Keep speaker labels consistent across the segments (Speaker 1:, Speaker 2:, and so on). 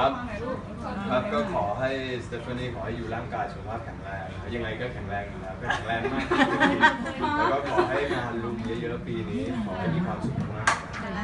Speaker 1: ครับครับก็ขอให้สเตฟานีขอให้อยู่ร่างกายสุขภาพแข็งแรงยังไงก็แข็งแรงอยู่แล้วก็แข็งแรงมากแล้วก็ขอให้งานลุมเยอะๆปีนี้ขอให้มีความสุขมาก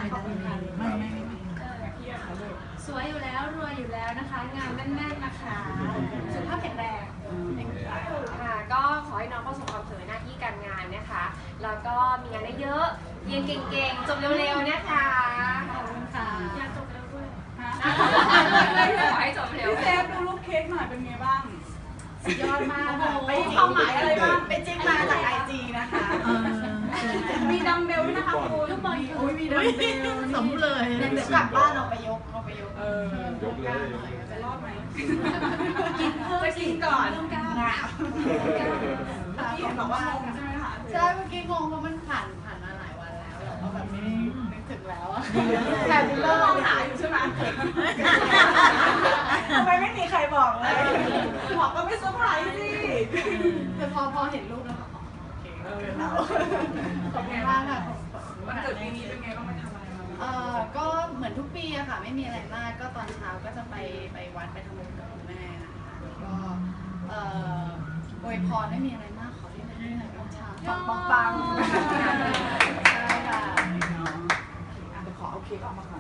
Speaker 2: สวยอยู่แล้วรวยอยู่แล้วนะคะงานแน่นๆนะคะสุขภาพแข็งแรง
Speaker 3: ค่ะก็ขอให้น้องประสบความสำเร็จหน้าที่การงานนะคะแล้วก็มีงานได้เยอะเรียนเก่งๆจบเร็วๆนะคะ
Speaker 2: ขอบคุณค่ะ
Speaker 3: อยากจบเร็วด้วยขอให้จบเร็ว
Speaker 4: พี่เซฟดูรูปเค้กหน่อยเป็นไงบ้าง
Speaker 2: สุดยอดมาก
Speaker 4: ไปความหมายอะไรบ้างไปจิ้มมาจากไอจีนะคะมีดัมเบลด้วยนะคะคุณ
Speaker 2: ลูกบอล
Speaker 4: อุ้ยมีดัมเบล
Speaker 2: สมเลย
Speaker 4: เดี๋ยวกลับบ้านเอาไปยก
Speaker 1: ยกเลย
Speaker 4: จะรอดไหม
Speaker 2: กินเพิ่ม
Speaker 4: จะกินก่อน
Speaker 2: งา
Speaker 4: พี่เห็นบอกว่างงใช่ไหมคะ
Speaker 2: ใช่เมื่อกี้งงเพราะมันผ่านมาหลายวันแล้วเราก็แบบไม่ได้นึกถึงแล้วอะ
Speaker 4: แต่ดิลเลอร์มองหาอยู่ใช่ไหมทำไมไม่มีใครบอกเลยบอกก็ไม่เซอร์ไพรส์สิ
Speaker 2: แต่พอเห็นรูปแล้วก็โอเค
Speaker 4: เรา
Speaker 2: ขอบคุณมากค่ะ
Speaker 4: วันเกิดปีนี้เป็นไงบ้างไปทำอะไรมา
Speaker 2: ก็เหมือนทุกปีอะค่ะไม่มีอะไรมากก็ตอนเช้าก็จะไปวัดไปทำบุญกับคุณแม่นะคะก็อวยพรไม่มีอะไรมากขอให้มันได้ตอนเช้า
Speaker 4: ปัง
Speaker 2: ใช่ค่ะ
Speaker 4: ขอเอาเค้กออกมาก่อน